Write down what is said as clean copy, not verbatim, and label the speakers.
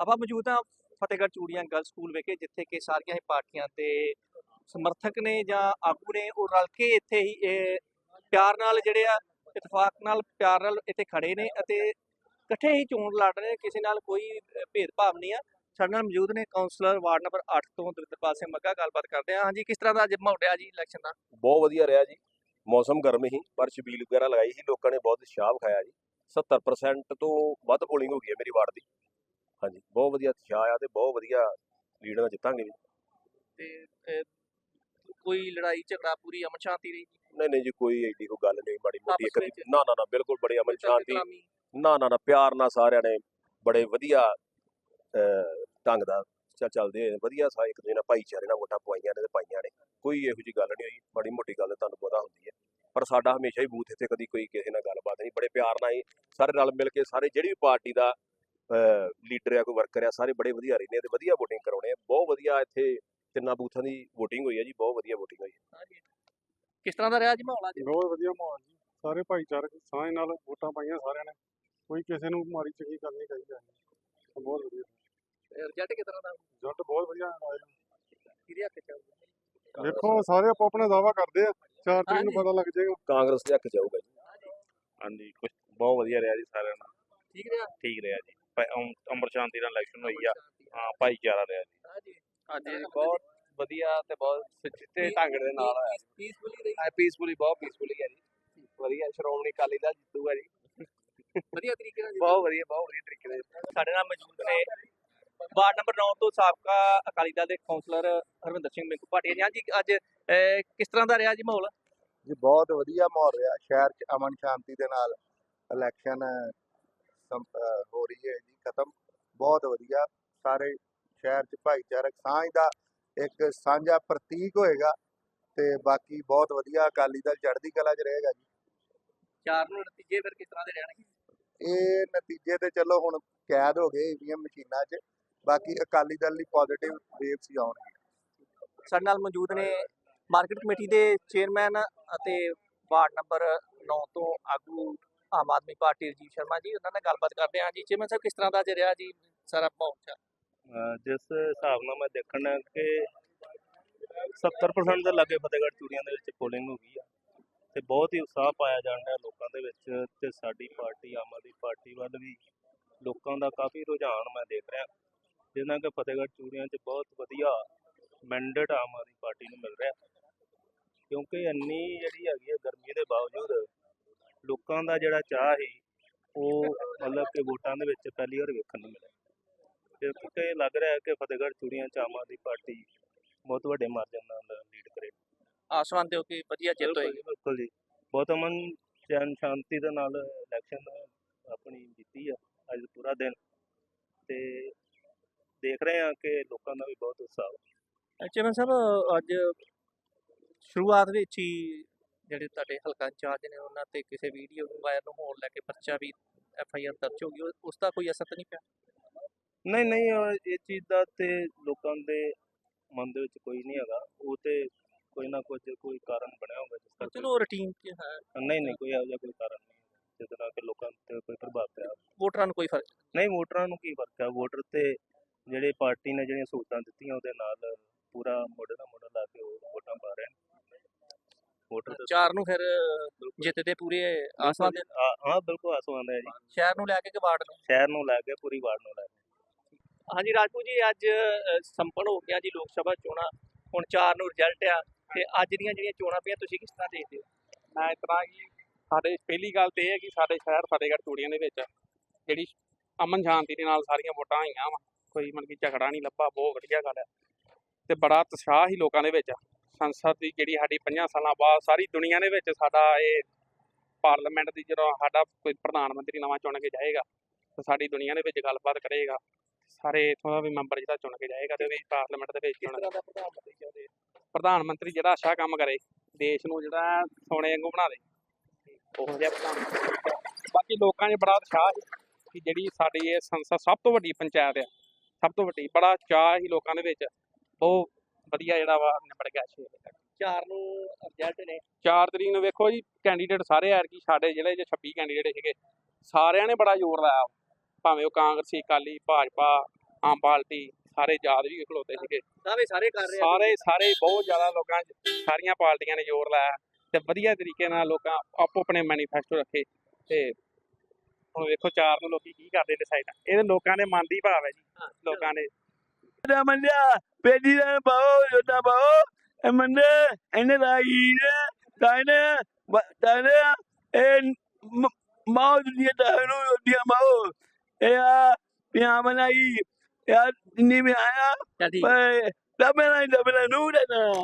Speaker 1: ਆਪਾਂ ਮੌਜੂਦ ਹਾਂ ਫਤਿਹਗੜ੍ਹ ਚੂੜੀਆਂ ਗਰਲਸ ਸਕੂਲ ਵਿਖੇ, ਜਿੱਥੇ ਕਿ ਸਾਰੀਆਂ ਹੀ ਪਾਰਟੀਆਂ ਦੇ ਸਮਰਥਕ ਨੇ ਜਾਂ ਆਗੂ ਨੇ ਉਹ ਰਲ ਕੇ ਇੱਥੇ ਹੀ ਪਿਆਰ ਨਾਲ ਜਿਹੜੇ ਆ ਇਤਫਾਕ ਨਾਲ ਪਿਆਰ ਨਾਲ ਇੱਥੇ ਖੜੇ ਨੇ ਅਤੇ ਇਕੱਠੇ ਹੀ ਚੋਣ ਲੜ ਰਹੇ ਨੇ। ਕਿਸੇ ਨਾਲ ਕੋਈ ਭੇਦਭਾਵ ਨਹੀਂ ਆ। ਸਾਡੇ ਨਾਲ ਮੌਜੂਦ ਨੇ ਕਾਉਂਸਲਰ ਵਾਰਡ ਨੰਬਰ 8 ਤੋਂ ਦਵਿੰਦਰਪਾਲ ਸਿੰਘ ਮੱਘਾ। ਗੱਲਬਾਤ ਕਰਦੇ ਹਾਂ। ਹਾਂਜੀ, ਕਿਸ ਤਰ੍ਹਾਂ ਦਾ ਅੱਜ ਮਾਹੌਲ ਰਿਹਾ ਜੀ ਇਲੈਕਸ਼ਨ ਦਾ?
Speaker 2: ਬਹੁਤ ਵਧੀਆ ਰਿਹਾ ਜੀ। ਮੌਸਮ ਗਰਮ ਹੀ, ਪਰ ਛਬੀਲ ਵਗੈਰਾ ਲਗਾਈ ਸੀ, ਲੋਕਾਂ ਨੇ ਬਹੁਤ ਉਤਸ਼ਾਹ ਵਿਖਾਇਆ ਜੀ। 70% ਤੋਂ ਵੱਧ ਪੋਲਿੰਗ ਹੋ ਗਈ ਹੈ ਮੇਰੀ ਵਾਰਡ ਦੀ। ਹਾਂਜੀ, ਬਹੁਤ ਵਧੀਆ ਉਤਸ਼ਾਹ ਆ ਤੇ ਬਹੁਤ ਵਧੀਆ ਲੀਡ ਨਾਲ ਜਿੱਤਾਂਗੇ ਜੀ।
Speaker 1: ਤੇ ਕੋਈ ਲੜਾਈ ਝਗੜਾ ਪੂਰੀ ਅਮਨ ਸ਼ਾਂਤੀ ਰਹੀ?
Speaker 2: ਨਹੀਂ ਜੀ, ਕੋਈ ਐਡੀ ਕੋਈ ਗੱਲ ਨਹੀਂ ਮਾੜੀ ਮੋਟੀ
Speaker 1: ਆਪਸ
Speaker 2: ਇੱਕ
Speaker 1: ਵਿੱਚ?
Speaker 2: ਨਾ ਬਿਲਕੁਲ ਬੜੇ ਅਮਨ ਸ਼ਾਂਤੀ।
Speaker 1: ਕਲਾਮੀ?
Speaker 2: ਨਾ ਪਿਆਰ ਨਾਲ ਸਾਰਿਆਂ ਨੇ ਬੜੇ ਵਧੀਆ ਢੰਗ ਦਾ ਚੱਲਦੇ ਹੋਏ ਵਧੀਆ ਇੱਕ ਦੂਜੇ ਨਾਲ ਭਾਈਚਾਰੇ ਨਾਲ ਵੋਟਾਂ ਪਵਾਈਆਂ ਨੇ ਤੇ ਪਾਈਆਂ ਨੇ। ਕੋਈ ਇਹੋ ਜਿਹੀ ਗੱਲ ਨਹੀਂ ਹੋਈ। ਮਾੜੀ ਮੋਟੀ ਗੱਲ ਤੁਹਾਨੂੰ ਪਤਾ ਹੁੰਦੀ ਹੈ, ਪਰ ਸਾਡਾ ਹਮੇਸ਼ਾ ਹੀ ਬੂਥ ਇੱਥੇ ਕਦੀ ਕੋਈ ਕਿਸੇ ਨਾਲ ਗੱਲਬਾਤ ਨਹੀਂ। ਬੜੇ ਪਿਆਰ ਨਾਲ ਹੀ ਸਾਰੇ ਰਲ ਮਿਲ ਕੇ ਸਾਰੇ ਜਿਹੜੀ ਵੀ ਪਾਰਟੀ ਦਾ ਲੀਡਰ ਆ ਕੋਈ ਵਰਕਰ ਆ ਸਾਰੇ ਬੜੇ ਵਧੀਆ ਰਹਿੰਦੇ ਆ ਤੇ ਵਧੀਆ ਵੋਟਿੰਗ ਕਰਾਉਣੇ ਆ। ਬਹੁਤ ਵਧੀਆ ਇੱਥੇ 3 ਬੂਥਾਂ ਦੀ ਵੋਟਿੰਗ ਹੋਈ ਹੈ ਜੀ। ਬਹੁਤ ਵਧੀਆ ਵੋਟਿੰਗ ਹੋਈ ਹੈ।
Speaker 1: ਕਿਸ ਤਰ੍ਹਾਂ ਦਾ ਰਿਹਾ ਜੀ ਮਾਹੌਲ ਅੱਜ?
Speaker 3: ਬਹੁਤ ਵਧੀਆ ਮਾਹੌਲ ਜੀ। ਸਾਰੇ ਭਾਈਚਾਰਕ ਸਾਂਝ ਨਾਲ ਵੋਟਾਂ ਪਾਈਆਂ ਸਾਰਿਆਂ ਨੇ। ਕੋਈ ਕਿਸੇ ਨੂੰ ਮਾੜੀ ਚੰਗੀ ਗੱਲ ਨਹੀਂ ਕਹੀ ਜਾਂਦੀ। ਬਹੁਤ ਵਧੀਆ
Speaker 1: ਰਿਜ਼ਲਟ ਕਿਸ ਤਰ੍ਹਾਂ ਦਾ?
Speaker 3: ਰਿਜ਼ਲਟ ਬਹੁਤ ਵਧੀਆ ਆਇਆ।
Speaker 1: ਕਿਹਦੇ ਹੱਥ ਚ ਆਊਗਾ?
Speaker 3: ਦੇਖੋ ਸਾਰੇ ਆਪੋ ਆਪਣਾ ਦਾਅਵਾ ਕਰਦੇ ਆ, 4 ਤਰੀਕ ਨੂੰ ਪਤਾ ਲੱਗ ਜਾਏਗਾ।
Speaker 2: ਕਾਂਗਰਸ ਦੇ ਹੱਕ ਜਾਊਗਾ ਜੀ।
Speaker 4: ਹਾਂਜੀ, ਕੁਝ ਬਹੁਤ ਵਧੀਆ ਰਿਹਾ ਜੀ। ਸਾਰਿਆਂ ਨਾਲ
Speaker 1: ਠੀਕ ਰਿਹਾ?
Speaker 4: ਠੀਕ ਰਿਹਾ ਜੀ। ਅਮਰ ਸ਼ਾਂਤੀ ਨਾਲ ਇਲੈਕਸ਼ਨ ਹੋਈ ਆ। ਹਾਂ, ਭਾਈਚਾਰਾ ਰਿਹਾ ਜੀ।
Speaker 1: ਹਾਂਜੀ, ਬਹੁਤ ਵਧੀਆ ਤੇ ਬਹੁਤ ਸੁਚੱਜੇ ਢੰਗ ਦੇ ਨਾਲ ਹੋਇਆ। ਪੀਸਫੁਲੀ ਰਹੀ?
Speaker 5: ਪੀਸਫੁਲੀ, ਬਹੁਤ ਪੀਸਫੁਲੀ ਹੈ ਜੀ। ਵਧੀਆ, ਸ਼੍ਰੋਮਣੀ ਅਕਾਲੀ ਦਲ ਜਿੱਤੂਗਾ ਜੀ।
Speaker 1: ਵਧੀਆ ਤਰੀਕੇ ਨਾਲ?
Speaker 5: ਬਹੁਤ ਵਧੀਆ ਤਰੀਕੇ ਨਾਲ।
Speaker 1: ਸਾਡੇ ਨਾਲ ਮੌਜੂਦ ਨੇ ਵਾਰਡ ਨੰਬਰ 9 ਤੋਂ ਸਾਬਕਾ ਅਕਾਲੀ ਦਲ ਦੇ ਕਾਉਂਸਲਰ ਹਰਵਿੰਦਰ ਸਿੰਘ ਮਿੰਕੂ ਭਾਟੀਆ ਜੀ। ਹਾਂਜੀ, ਅੱਜ ਕਿਸ ਤਰ੍ਹਾਂ ਦਾ ਰਿਹਾ ਜੀ ਮਾਹੌਲ?
Speaker 6: ਜੀ ਬਹੁਤ ਵਧੀਆ ਮਾਹੌਲ ਰਿਹਾ। ਸ਼ਹਿਰ 'ਚ ਅਮਨ ਸ਼ਾਂਤੀ ਦੇ ਨਾਲ ਇਲੈਕਸ਼ਨ ਹੋ ਰਹੀ ਹੈ ਜੀ, ਖਤਮ। ਬਹੁਤ ਵਧੀਆ। ਸਾਰੇ ਸ਼ਹਿਰ 'ਚ ਭਾਈਚਾਰਕ ਸਾਂਝ ਦਾ ਇੱਕ ਸਾਂਝਾ ਪ੍ਰਤੀਕ ਹੋਏਗਾ ਤੇ ਬਾਕੀ ਬਹੁਤ ਵਧੀਆ। ਅਕਾਲੀ ਦਲ ਚੜ੍ਹਦੀ ਕਲਾ 'ਚ ਰਹੇਗਾ ਜੀ।
Speaker 1: 4 ਨੂੰ ਨਤੀਜੇ ਫਿਰ ਕਿਸ ਤਰ੍ਹਾਂ ਦੇ ਰਹਿਣਗੇ?
Speaker 6: ਇਹ ਨਤੀਜੇ ਤੇ ਚਲੋ ਹੁਣ ਕੈਦ ਹੋ ਗਏ ਈਵੀਐਮ ਮਸ਼ੀਨਾਂ 'ਚ। ਬਾਕੀ ਅਕਾਲੀ ਦਲ ਲਈ ਪੋਜ਼ਿਟਿਵ ਵੇਵਸ ਹੀ ਆਉਣਗੇ।
Speaker 1: ਸਾਡੇ ਨਾਲ ਮੌਜੂਦ ਨੇ ਮਾਰਕੀਟ ਕਮੇਟੀ ਦੇ ਚੇਅਰਮੈਨ ਅਤੇ ਵਾਰਡ ਨੰਬਰ 9 ਤੋਂ ਆਗੂ ਆਮ ਆਦਮੀ ਪਾਰਟੀ ਰਜੀਵ ਸ਼ਰਮਾ ਜੀ। ਉਹਨਾਂ ਨਾਲ ਗੱਲਬਾਤ ਕਰਦੇ ਹਾਂ। ਜੀ ਚੇਅਰਮੈਨ ਸਾਹਿਬ, ਕਿਸ ਤਰ੍ਹਾਂ ਦਾ ਅੱਜ ਰਿਹਾ ਜੀ ਸਾਰਾ ਮਾਹੌਲ?
Speaker 4: ਜਿਸ ਹਿਸਾਬ ਨਾਲ ਮੈਂ ਦੇਖਣਾ ਕਿ 70% ਦੇ ਲਾਗੇ ਫਤਿਹਗੜ੍ਹ ਚੂੜੀਆਂ ਦੇ ਵਿੱਚ ਪੋਲਿੰਗ ਹੋ ਗਈ ਆ ਤੇ ਬਹੁਤ ਹੀ ਉਤਸ਼ਾਹ ਪਾਇਆ ਜਾਣ ਡਿਆ ਲੋਕਾਂ ਦੇ ਵਿੱਚ। ਤੇ ਸਾਡੀ ਪਾਰਟੀ ਆਮ ਆਦਮੀ ਪਾਰਟੀ ਵੱਲ ਵੀ ਲੋਕਾਂ ਦਾ ਕਾਫੀ ਰੁਝਾਨ ਮੈਂ ਦੇਖ ਰਿਹਾ, ਜਿਸ ਨਾਲ ਕਿ ਫਤਿਹਗੜ੍ਹ ਚੂੜੀਆਂ 'ਚ ਬਹੁਤ ਵਧੀਆ ਮੈਂਡੇਟ ਆਮ ਆਦਮੀ ਪਾਰਟੀ ਨੂੰ ਮਿਲ ਰਿਹਾ। ਕਿਉਂਕਿ ਇੰਨੀ ਜਿਹੜੀ ਹੈਗੀ ਹੈ ਗਰਮੀ ਦੇ ਬਾਵਜੂਦ ਲੋਕਾਂ ਦਾ ਜਿਹੜਾ ਚਾਅ ਸੀ ਉਹ ਮਤਲਬ ਕਿ ਵੋਟਾਂ ਦੇ ਵਿੱਚ ਪਹਿਲੀ ਵਾਰ ਵੇਖਣ ਨੂੰ ਮਿਲਿਆ। ਤੇ ਲੱਗ ਰਿਹਾ ਹੈ ਕਿ ਫਤਿਹਗੜ੍ਹ ਚੂੜੀਆਂ 'ਚ ਆਮ ਆਦਮੀ ਪਾਰਟੀ ਬਹੁਤ ਵੱਡੇ ਮਾਰਜਨ ਨਾਲ ਲੀਡ ਕਰੇ।
Speaker 1: ਆਸਮਾਨ ਹੋ ਕਿ ਵਧੀਆ ਜਿੱਤ ਹੋਏਗੀ?
Speaker 4: ਬਿਲਕੁਲ ਜੀ, ਬਹੁਤ ਅਮਨ ਚੈਨ ਸ਼ਾਂਤੀ ਦੇ ਨਾਲ ਇਲੈਕਸ਼ਨ ਆਪਣੀ ਜਿੱਤੀ ਆ ਅੱਜ ਪੂਰਾ ਦਿਨ। ਤੇ ਦੇਖ ਰਹੇ ਹਾਂ ਕਿ ਲੋਕਾਂ ਦਾ ਵੀ ਬਹੁਤ ਉਤਸ਼ਾਹ।
Speaker 1: ਚੇਅਰਮੈਨ ਸਾਹਿਬ, ਅੱਜ ਸ਼ੁਰੂਆਤ ਵਿੱਚ ਹੀ ਜਿਹੜੇ ਤੁਹਾਡੇ ਹਲਕਾ ਇੰਚਾਰਜ ਨੇ ਉਹਨਾਂ ਤੇ ਕਿਸੇ ਵੀਡੀਓ ਨੂੰ ਵਾਇਰਲ ਹੋਣ ਲੈ ਕੇ ਪਰਚਾ ਵੀ FIR ਦਰਜ ਹੋ ਗਈ, ਉਸ ਦਾ ਕੋਈ ਅਸਰ ਤਾਂ ਨਹੀਂ ਪਿਆ?
Speaker 4: ਨਹੀਂ, ਇਹ ਚੀਜ਼ ਦਾ ਤੇ ਲੋਕਾਂ ਦੇ ਮਨ ਦੇ ਵਿੱਚ ਕੋਈ ਨਹੀਂ ਹੈਗਾ। ਉਹ ਤੇ ਕੋਈ ਨਾ ਕੋਈ ਕਾਰਨ ਬਣਿਆ ਹੋਊਗਾ ਜਿਸ ਕਰਕੇ।
Speaker 1: ਚਲੋ ਰੂਟੀਨ 'ਚ ਹੈ।
Speaker 4: ਨਹੀਂ, ਕੋਈ ਇਹੋ ਜਿਹਾ ਕੋਈ ਕਾਰਨ ਨਹੀਂ ਜਿਹਦੇ ਨਾਲ ਕਿ ਲੋਕਾਂ ਤੇ ਕੋਈ ਪ੍ਰਭਾਵ ਪਿਆ।
Speaker 1: ਵੋਟਰਾਂ ਨੂੰ ਕੋਈ ਫਰਕ
Speaker 4: ਨਹੀਂ, ਵੋਟਰਾਂ ਨੂੰ ਕੀ ਫਰਕ ਹੈ? ਵੋਟਰ ਤੇ ਜਿਹੜੇ ਪਾਰਟੀ ਨੇ ਜਿਹੜੀਆਂ ਸਹੂਲਤਾਂ ਦਿੱਤੀਆਂ ਉਹਦੇ ਨਾਲ ਪੂਰਾ ਮੋਢੇ ਨਾਲ ਮੋਢਾ ਲਾ ਕੇ ਉਹ ਵੋਟਾਂ ਪਾ ਰਹੇ ਨੇ। ਵੋਟਰ
Speaker 1: 4 ਨੂੰ ਫਿਰ ਜਿੱਤ ਦੇ ਪੂਰੇ ਆਸਮਾਨ ਦੇ?
Speaker 4: ਹਾਂ, ਬਿਲਕੁਲ ਆਸਮਾਨ ਹੈ ਜੀ।
Speaker 1: ਸ਼ਹਿਰ ਨੂੰ ਲੈ ਕੇ ਕਿ ਵਾਰਡ ਨੂੰ?
Speaker 4: ਸ਼ਹਿਰ ਨੂੰ ਲੈ ਕੇ, ਪੂਰੀ ਵਾਰਡ ਨੂੰ ਲੈ ਕੇ।
Speaker 1: ਹਾਂਜੀ ਰਾਜਪੂਤ ਜੀ, ਅੱਜ ਸੰਪੰਨ ਹੋ ਗਿਆ ਜੀ ਲੋਕ ਸਭਾ ਚੋਣਾਂ। ਹੁਣ 4 ਨੂੰ ਰਿਜ਼ਲਟ ਆ ਤੇ ਅੱਜ ਦੀਆਂ ਜਿਹੜੀਆਂ ਚੋਣਾਂ ਪਈਆਂ ਤੁਸੀਂ ਕਿਸ ਤਰ੍ਹਾਂ ਦੇਖਦੇ ਹੋ?
Speaker 5: ਮੈਂ ਇਸ ਤਰ੍ਹਾਂ ਕਿ ਸਾਡੇ ਪਹਿਲੀ ਗੱਲ ਤੇ ਇਹ ਹੈ ਕਿ ਸਾਡੇ ਸ਼ਹਿਰ ਫਤਿਹਗੜ੍ਹ ਚੂੜੀਆਂ ਦੇ ਵਿੱਚ ਜਿਹੜੀ ਅਮਨ ਸ਼ਾਂਤੀ ਦੇ ਨਾਲ ਸਾਰੀਆਂ ਵੋਟਾਂ ਹੋਈਆਂ ਵਾ। ਕੋਈ ਮਤਲਬ ਕਿ ਝਗੜਾ ਨਹੀਂ ਲੱਭਾ। ਬਹੁਤ ਵਧੀਆ ਗੱਲ ਹੈ ਤੇ ਬੜਾ ਉਤਸ਼ਾਹ ਹੀ ਲੋਕਾਂ ਦੇ ਵਿੱਚ। ਸੰਸਦ ਦੀ ਜਿਹੜੀ ਸਾਡੀ 50 ਸਾਲਾਂ ਬਾਅਦ ਸਾਰੀ ਦੁਨੀਆ ਦੇ ਵਿੱਚ ਸਾਡਾ ਇਹ ਪਾਰਲੀਮੈਂਟ ਦੀ ਜਦੋਂ ਸਾਡਾ ਕੋਈ ਪ੍ਰਧਾਨ ਮੰਤਰੀ ਨਵਾਂ ਚੁਣ ਕੇ ਜਾਏਗਾ ਤਾਂ ਸਾਡੀ ਦੁਨੀਆ ਦੇ ਵਿੱਚ ਗੱਲਬਾਤ ਕਰੇਗਾ। ਸਾਰੇ ਇੱਥੋਂ ਦਾ ਵੀ ਮੈਂਬਰ ਜਿਹੜਾ ਚੁਣ ਕੇ ਜਾਏਗਾ ਤੇ ਉਹ ਵੀ ਪਾਰਲੀਮੈਂਟ ਦੇ ਵਿੱਚ ਪ੍ਰਧਾਨ ਮੰਤਰੀ ਜਿਹੜਾ ਅੱਛਾ ਕੰਮ ਕਰੇ, ਦੇਸ਼ ਨੂੰ ਜਿਹੜਾ ਸੋਨੇ ਵਾਂਗੂ ਬਣਾ ਦੇ, ਉਹ ਜਿਹਾ ਪ੍ਰਧਾਨ ਮੰਤਰੀ। ਬਾਕੀ ਲੋਕਾਂ 'ਚ ਬੜਾ ਉਤਸ਼ਾਹ ਕਿ ਜਿਹੜੀ ਸਾਡੀ ਇਹ ਸੰਸਦ ਸਭ ਤੋਂ ਵੱਡੀ ਪੰਚਾਇਤ ਆ, ਸਭ ਤੋਂ ਵੱਡੀ। ਬੜਾ ਚਾਅ ਹੀ ਲੋਕਾਂ ਦੇ ਵਿੱਚ। ਬਹੁਤ ਵਧੀਆ ਜਿਹੜਾ ਵਾ ਨਿਬੜ ਗਿਆ
Speaker 1: 4 ਨੂੰ ਰਿਜ਼ਲਟ ਨੇ।
Speaker 5: 4 ਤਰੀਕ ਨੂੰ ਵੇਖੋ ਜੀ, ਕੈਂਡੀਡੇਟ ਸਾਰੇ ਐਤਕੀ ਸਾਡੇ ਜ਼ਿਲ੍ਹੇ 'ਚ 26 ਕੈਂਡੀਡੇਟ ਸੀਗੇ। ਸਾਰਿਆਂ ਨੇ ਬੜਾ ਜ਼ੋਰ ਲਾਇਆ, ਭਾਵੇਂ ਉਹ ਕਾਂਗਰਸੀ, ਅਕਾਲੀ, ਭਾਜਪਾ, ਆਮ ਪਾਰਟੀ ਸਾਰੇ ਆਜ਼ਾਦ ਵੀ ਖਲੋਤੇ ਸੀਗੇ।
Speaker 1: ਦਾਅਵੇ ਸਾਰੇ ਕਰ ਰਹੇ ਆ
Speaker 5: ਸਾਰੇ ਬਹੁਤ ਜ਼ਿਆਦਾ ਲੋਕਾਂ 'ਚ ਸਾਰੀਆਂ ਪਾਰਟੀਆਂ ਨੇ ਜ਼ੋਰ ਲਾਇਆ ਤੇ ਵਧੀਆ ਤਰੀਕੇ ਨਾਲ ਲੋਕਾਂ ਆਪੋ ਆਪਣੇ ਮੈਨੀਫੈਸਟੋ ਰੱਖੇ ਤੇ ਹੁਣ ਵੇਖੋ 4 ਨੂੰ ਲੋਕੀ ਕੀ ਕਰਦੇ ਡਿਸਾਈਡ। ਇਹ ਲੋਕਾਂ ਦੇ ਮਨ ਦੀ ਭਾਵ ਹੈ ਜੀ। ਲੋਕਾਂ ਨੇ
Speaker 7: ਮੰਨਿਆ ਪੇਡੀ ਦਾ ਪਾਓ ਜੋਤਾ ਪਾਓ ਮੰਨੇ ਇਹਨੇ ਲਾਈ ਤਾਇਨੇ ਇਹ ਮਾਓ ਦੁਨੀਆ ਤਾਇਨੂੰ ਦੀਆਂ ਮਾਓ ਇਹ ਆ ਪਿਆ ਬਣਾਈ ਯਾਰ ਜਿੰਨੀ ਵੀ ਆਇਆ
Speaker 1: ਚੱਲ ਠੀਕ
Speaker 7: ਪਰ ਦਬਣਾ ਨੂੰ ਦੇਣਾ